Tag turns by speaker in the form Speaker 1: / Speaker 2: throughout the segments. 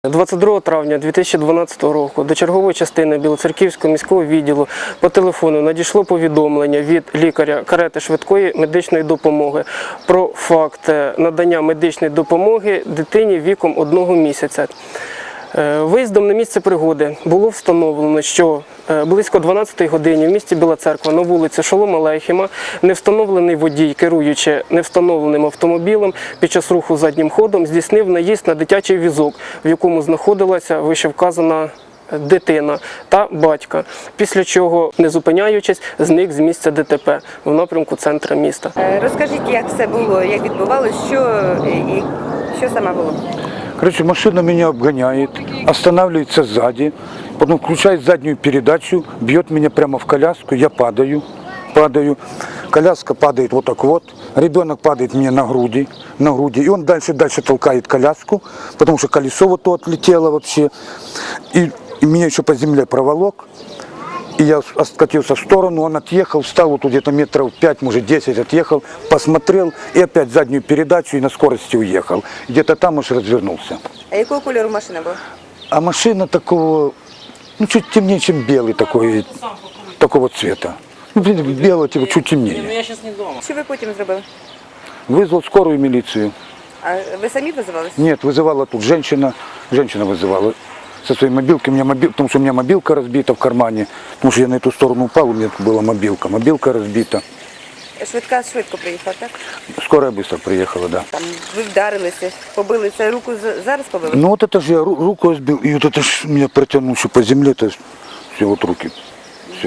Speaker 1: 22 травня 2012 року до чергової частини Білоцерківського міського відділу по телефону надійшло повідомлення від лікаря карети швидкої медичної допомоги про факт надання медичної допомоги дитині віком 1 місяця. Виїздом на місце пригоди було встановлено, що близько 12-ї годині в місті Біла Церква на вулиці Шолома Алейхема невстановлений водій, керуючи невстановленим автомобілем, під час руху заднім ходом здійснив наїзд на дитячий візок, в якому знаходилася вищевказана дитина та батька, після чого, не зупиняючись, зник з місця ДТП в напрямку центру міста.
Speaker 2: Розкажіть, як все було, як відбувалося, що саме було?
Speaker 3: Короче, машина меня обгоняет, останавливается сзади, потом включает заднюю передачу, бьет меня прямо в коляску, я падаю, коляска падает вот так вот, ребенок падает мне на груди, и он дальше толкает коляску, потому что колесо вот то отлетело вообще, и меня еще по земле проволок. И я откатился в сторону, он отъехал, встал вот где-то метров 5, может 10 отъехал, посмотрел и опять заднюю передачу и на скорости уехал. Где-то там уж развернулся.
Speaker 2: А якого кольору машина була?
Speaker 3: А машина такого, ну чуть темнее, чем белый такой, такого цвета. Ну, белого типа чуть темнее.
Speaker 2: Що ви потім зробили?
Speaker 3: Вызвал скорую милицию.
Speaker 2: А ви самі визивалися?
Speaker 3: Нет, вызывала тут женщина вызывала. Со своей мобилкой, потому что у меня мобилка разбита в кармане, потому что я на эту сторону упал, у меня тут была мобилка разбита.
Speaker 2: Швидка швидко приїхала, так?
Speaker 3: Скорая быстро приехала, да.
Speaker 2: Там ви вдарилися, побили, це руку зараз побили?
Speaker 3: Ну вот это же я руку сбил, и вот это ж меня протянул еще по земле, то есть все, вот руки, все.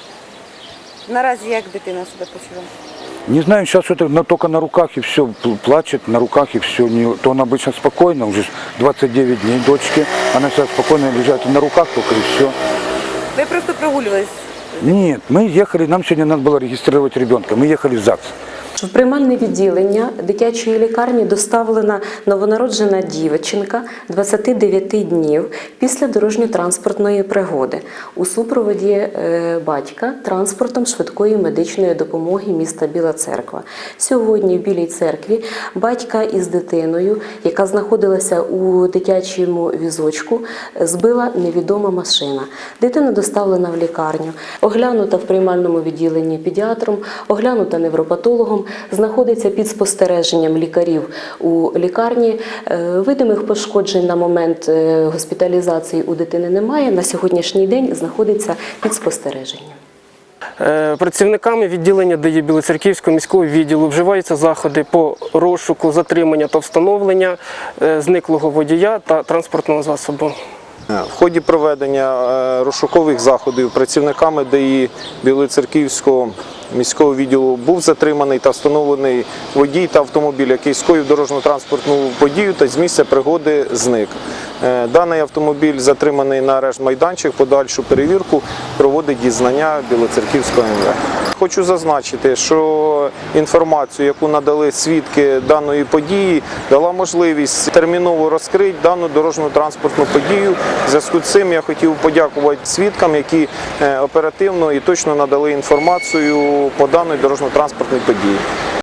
Speaker 2: Наразі як дитина себе почуває?
Speaker 3: Не знаю, сейчас это только на руках и все, плачет на руках и все. То она обычно спокойно, уже 29 дней дочке, она сейчас спокойно лежит на руках только и все.
Speaker 2: Ви просто прогулювались?
Speaker 3: Нет, мы ехали, нам сегодня надо было регистрировать ребенка, мы ехали в ЗАГС.
Speaker 4: В приймальне відділення дитячої лікарні доставлена новонароджена дівчинка 29 днів після дорожньо-транспортної пригоди у супроводі батька транспортом швидкої медичної допомоги міста Біла Церква. Сьогодні в Білій Церкві батька із дитиною, яка знаходилася у дитячому візочку, збила невідома машина. Дитина доставлена в лікарню, оглянута в приймальному відділенні педіатром, оглянута невропатологом, знаходиться під спостереженням лікарів у лікарні. Видимих пошкоджень на момент госпіталізації у дитини немає. На сьогоднішній день знаходиться під спостереженням.
Speaker 1: Працівниками відділення ДАІ Білоцерківського міського відділу вживаються заходи по розшуку, затримання та встановлення зниклого водія та транспортного засобу.
Speaker 5: В ході проведення розшукових заходів працівниками ДАІ Білоцерківського міського відділу був затриманий та встановлений водій та автомобіль, який скоїв дорожньо-транспортну подію та з місця пригоди зник. Даний автомобіль затриманий на арешт-майданчик, подальшу перевірку проводить дізнання Білоцерківського МВ. Хочу зазначити, що інформацію, яку надали свідки даної події, дала можливість терміново розкрити дану дорожньо-транспортну подію. В зв'язку з цим я хотів подякувати свідкам, які оперативно і точно надали інформацію по даній дорожньо-транспортній події.